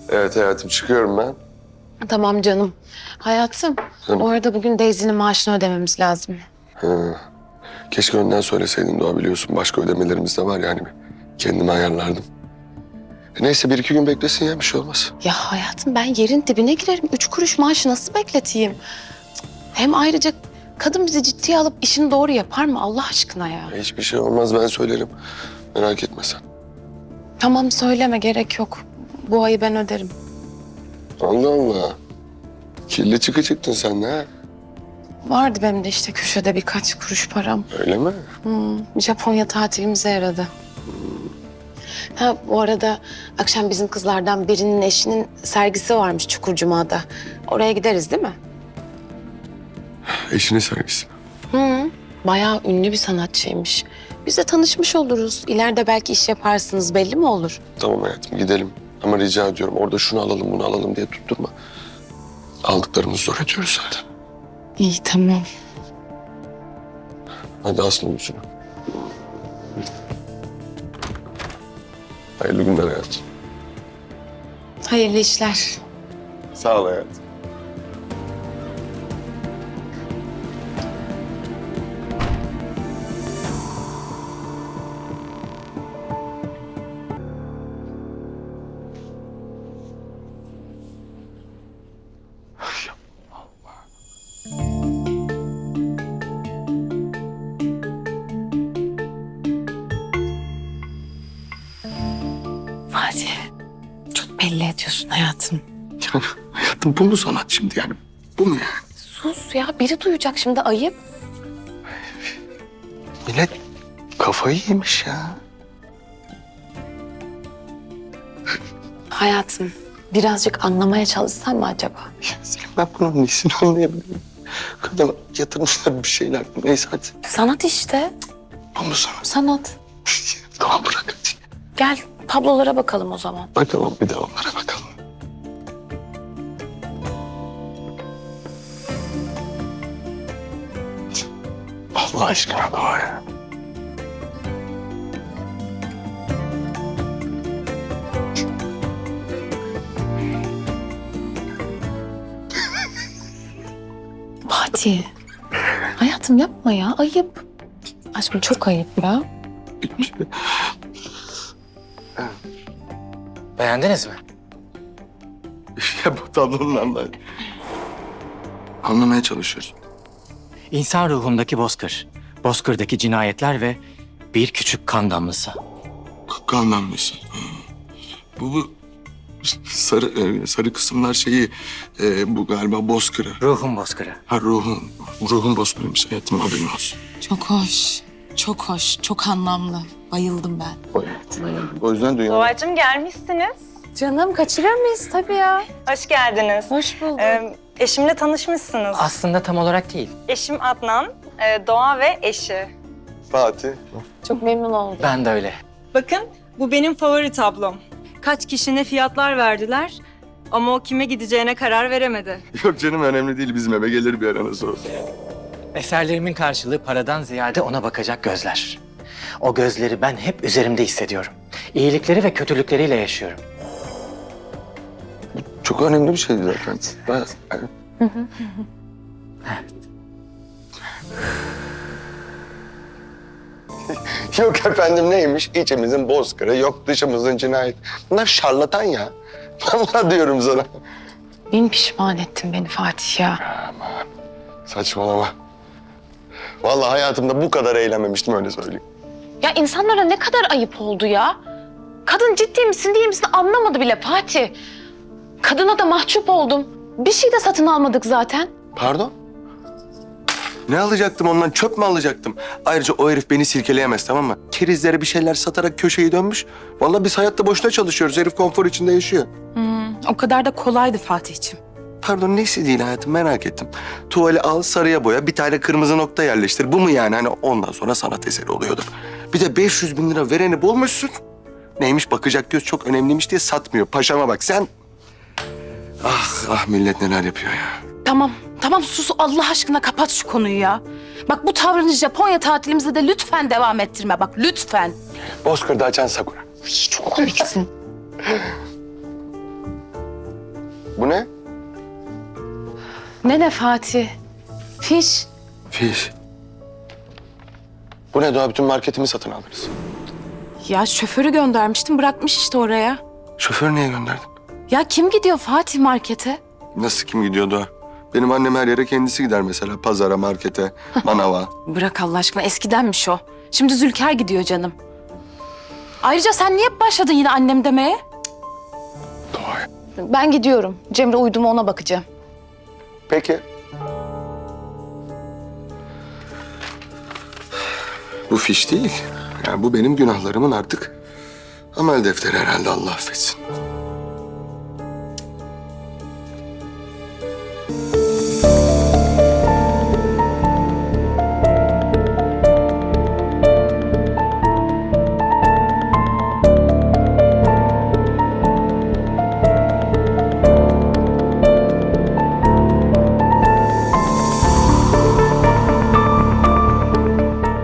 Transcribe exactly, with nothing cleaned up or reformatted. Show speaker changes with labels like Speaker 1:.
Speaker 1: Evet hayatım çıkıyorum ben.
Speaker 2: Tamam canım. Hayatım,
Speaker 1: Canım.
Speaker 2: o arada bugün Daisy'nin maaşını ödememiz lazım.
Speaker 1: Hı. Keşke önden söyleseydin Doğa, biliyorsun. Başka ödemelerimiz de var yani. Kendimi ayarlardım. E neyse bir iki gün beklesin ya, bir şey olmaz.
Speaker 2: Ya hayatım, ben yerin dibine girerim. Üç kuruş maaşı nasıl bekleteyim? Cık. Hem ayrıca kadın bizi ciddiye alıp işini doğru yapar mı Allah aşkına ya?
Speaker 1: E, hiçbir şey olmaz, ben söylerim. Merak etme sen.
Speaker 2: Tamam, söyleme, gerek yok. Bu ayı ben öderim.
Speaker 1: Allah Allah. Kirli çıkı çıktın sen de ha.
Speaker 2: Vardı benim de işte köşede birkaç kuruş param.
Speaker 1: Öyle mi?
Speaker 2: Hmm, Japonya tatilimize yaradı. Ha, bu arada akşam bizim kızlardan birinin eşinin sergisi varmış Çukurcuma'da. Oraya gideriz değil mi?
Speaker 1: Eşinin sergisi.
Speaker 2: Hı, bayağı ünlü bir sanatçıymış. Biz de tanışmış oluruz. İleride belki iş yaparsınız, belli mi olur?
Speaker 1: Tamam hayatım, gidelim. Ama rica ediyorum orada şunu alalım bunu alalım diye tutturma. Aldıklarımızı zor ediyoruz zaten.
Speaker 2: İyi, tamam.
Speaker 1: Hadi aslında yüzünü. Hayırlı günler hayatım.
Speaker 2: Hayırlı işler.
Speaker 1: Sağ ol hayatım.
Speaker 2: Fatih, çok belli ediyorsun hayatım.
Speaker 1: Yani hayatım bu mu sanat şimdi yani? Bu mu yani?
Speaker 2: Sus ya, biri duyacak şimdi, ayıp.
Speaker 1: Millet kafayı yemiş ya.
Speaker 2: Hayatım, birazcık anlamaya çalışsan mı acaba?
Speaker 1: Ya Selim, ben bunun nesini anlayabilirim? Kadına yatırmışlar bir şeyler. Neyse hadi.
Speaker 2: Sanat işte,
Speaker 1: Bu mu sanat?
Speaker 2: sanat.
Speaker 1: Tamam bırak hadi.
Speaker 2: Gel tablolara bakalım o zaman.
Speaker 1: Bakalım bir de onlara bakalım. Allah aşkına Doğa ya.
Speaker 2: Fatih, hayatım yapma ya, ayıp. Aşkım çok ayıp ya.
Speaker 3: Beğendiniz mi?
Speaker 1: Ya bu tablonun anlar. Anlamaya çalışıyoruz.
Speaker 3: İnsan ruhundaki bozkır, bozkırdaki cinayetler ve bir küçük kan damlası.
Speaker 1: Kan damlası. Bu bu sarı e, sarı kısımlar şeyi e, bu galiba bozkırı.
Speaker 3: Ruhun bozkırı.
Speaker 1: Ha ruhun ruhun bozkırıymış hayatım, haberin olsun.
Speaker 4: Çok hoş, çok hoş, çok anlamlı. Bayıldım ben.
Speaker 1: O yüzden dünya...
Speaker 5: Doğacığım gelmişsiniz.
Speaker 2: Canım, kaçırır mıyız? Tabii ya.
Speaker 5: Hoş geldiniz.
Speaker 2: Hoş bulduk.
Speaker 5: Ee, eşimle tanışmışsınız.
Speaker 3: Aslında tam olarak değil.
Speaker 5: Eşim Adnan, e, Doğa ve eşi.
Speaker 1: Fatih.
Speaker 2: Çok memnun oldum.
Speaker 3: Ben de öyle.
Speaker 5: Bakın bu benim favori tablom. Kaç kişi ne fiyatlar verdiler ama o kime gideceğine karar veremedi.
Speaker 1: Yok canım, önemli değil, bizim eve gelir bir ara nasıl olsa.
Speaker 3: Eserlerimin karşılığı paradan ziyade ona bakacak gözler. O gözleri ben hep üzerimde hissediyorum. İyilikleri ve kötülükleriyle yaşıyorum.
Speaker 1: Çok önemli bir şeydi zaten. Ben, Yok efendim neymiş? İçimizin bozkırı, yok dışımızın cinayet. Bunlar şarlatan ya. Vallahi diyorum sana.
Speaker 2: Bin pişman ettin beni Fatih ya.
Speaker 1: Saçmalama. Vallahi hayatımda bu kadar eğlenmemiştim, öyle söyleyeyim.
Speaker 2: Ya insanlara ne kadar ayıp oldu ya. Kadın ciddi misin değil misin anlamadı bile Fatih. Kadına da mahcup oldum. Bir şey de satın almadık zaten.
Speaker 1: Pardon? Ne alacaktım ondan? Çöp mü alacaktım? Ayrıca o herif beni silkeleyemez, tamam mı? Kerizlere bir şeyler satarak köşeyi dönmüş. Vallahi biz hayatta boşuna çalışıyoruz. Herif konfor içinde yaşıyor.
Speaker 4: Hmm, o kadar da kolaydı Fatih'ciğim.
Speaker 1: Pardon, neyse değil hayatım, merak ettim. Tuvali al, sarıya boya, bir tane kırmızı nokta yerleştir. Bu mu yani? Hani ondan sonra sanat eseri oluyordur. Bir de beş yüz bin lira vereni bulmuşsun. Neymiş, bakacak göz çok önemliymiş diye satmıyor. Paşama bak sen. Ah ah, millet neler yapıyor ya.
Speaker 4: Tamam, tamam sus Allah aşkına kapat şu konuyu ya. Bak bu tavrını Japonya tatilimizde de lütfen devam ettirme bak lütfen.
Speaker 1: Bozkır'da açan sakura.
Speaker 2: Ay, çok komiksin.
Speaker 1: Bu ne?
Speaker 2: Ne ne Fatih? Fiş.
Speaker 1: Fiş. Bu ne Doğa? Bütün marketimi satın aldınız.
Speaker 4: Ya şoförü göndermiştim bırakmış işte oraya.
Speaker 1: Şoförü niye gönderdin?
Speaker 4: Ya kim gidiyor Fatih markete?
Speaker 1: Nasıl kim gidiyor Doğa? Benim annem her yere kendisi gider mesela. Pazara, markete, manava.
Speaker 4: Bırak Allah aşkına eskidenmiş o. Şimdi Zülker gidiyor canım. Ayrıca sen niye başladın yine annem demeye?
Speaker 1: Doğa.
Speaker 2: Ben gidiyorum. Cemre uydu mu ona bakacağım.
Speaker 1: Peki. Bu fiş değil. Yani bu benim günahlarımın artık amel defteri herhalde, Allah affetsin.